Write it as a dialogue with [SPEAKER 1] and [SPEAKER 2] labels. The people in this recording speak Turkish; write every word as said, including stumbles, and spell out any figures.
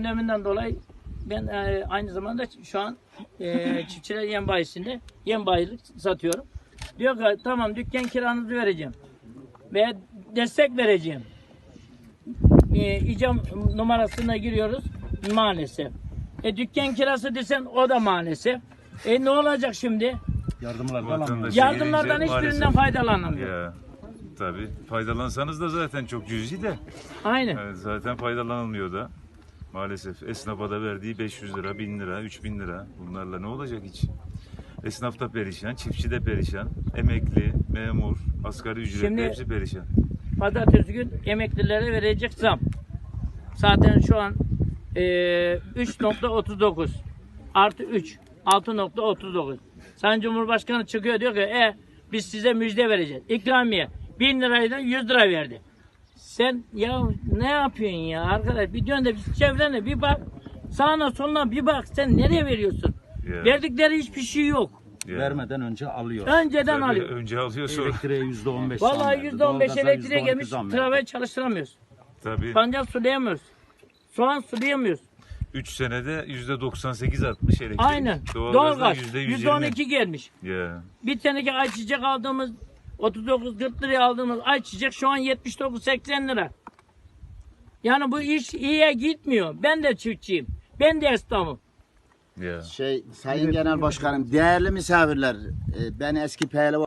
[SPEAKER 1] gündeminden dolayı ben e, aynı zamanda şu an e, çiftçiler yem bayisinde yem bayilik satıyorum. Diyor ki tamam dükkan kiranızı vereceğim veya destek vereceğim. E, icam numarasına giriyoruz maalesef. E, dükkan kirası desen o da maalesef. E ne olacak şimdi?
[SPEAKER 2] Yardımlardan alamıyoruz.
[SPEAKER 1] Yardımlardan
[SPEAKER 3] gelince
[SPEAKER 1] hiçbirinden faydalanamıyor.
[SPEAKER 3] Ya tabii faydalansanız da zaten çok cüzi de.
[SPEAKER 1] Aynen.
[SPEAKER 3] Evet, zaten faydalanılmıyor da. Maalesef esnafa da verdiği beş yüz lira, bin lira, üç bin lira. Bunlarla ne olacak hiç? Esnaf da perişan, çiftçi de perişan, emekli, memur, asgari ücretli
[SPEAKER 1] Şimdi-
[SPEAKER 3] hepsi perişan.
[SPEAKER 1] Pazartesi gün emeklilere verecek zam. Zaten şu an e, üç nokta otuz dokuz artı üç altı nokta otuz dokuz. Sayın Cumhurbaşkanı çıkıyor diyor ki e, biz size müjde vereceğiz. İkramiye bin liraydan yüz lira verdi. Sen ya ne yapıyorsun ya arkadaş? Bir dön de bir çevrene bir bak. Sağına soluna bir bak. Sen nereye veriyorsun?
[SPEAKER 3] Ya.
[SPEAKER 1] Verdikleri hiçbir şey yok.
[SPEAKER 3] Ya.
[SPEAKER 2] Vermeden önce alıyor.
[SPEAKER 1] Önceden
[SPEAKER 3] Tabii,
[SPEAKER 1] alıyor.
[SPEAKER 3] önce alıyor sonra.
[SPEAKER 2] Elektriğe yüzde on beş zam
[SPEAKER 1] Vallahi
[SPEAKER 2] verdi.
[SPEAKER 1] yüzde on beş
[SPEAKER 2] Doğalgaza
[SPEAKER 1] elektriğe
[SPEAKER 2] yüzde on iki
[SPEAKER 1] gelmiş.
[SPEAKER 2] zam verdi.
[SPEAKER 1] Trabayı çalıştıramıyoruz.
[SPEAKER 3] Tabii
[SPEAKER 1] Pancar sulayamıyoruz. Soğan sulayamıyoruz.
[SPEAKER 3] üç senede yüzde doksan sekiz artmış elektrik.
[SPEAKER 1] Aynen.
[SPEAKER 3] Doğalgazda
[SPEAKER 1] Doğalgaz
[SPEAKER 3] yüzde yüz
[SPEAKER 1] yüzde on
[SPEAKER 3] yirmi.
[SPEAKER 1] iki gelmiş.
[SPEAKER 3] Ya.
[SPEAKER 1] Bir teneke ayçiçek aldığımız otuz dokuz kırk liraya aldığımız ayçiçek şu an yetmiş dokuz seksen lira. Yani bu iş iyiye gitmiyor. Ben de çiftçiyim. Ben de esnafım.
[SPEAKER 3] Ya.
[SPEAKER 4] Şey Sayın Genel Başkanım, değerli misafirler, e, ben eski pehlivan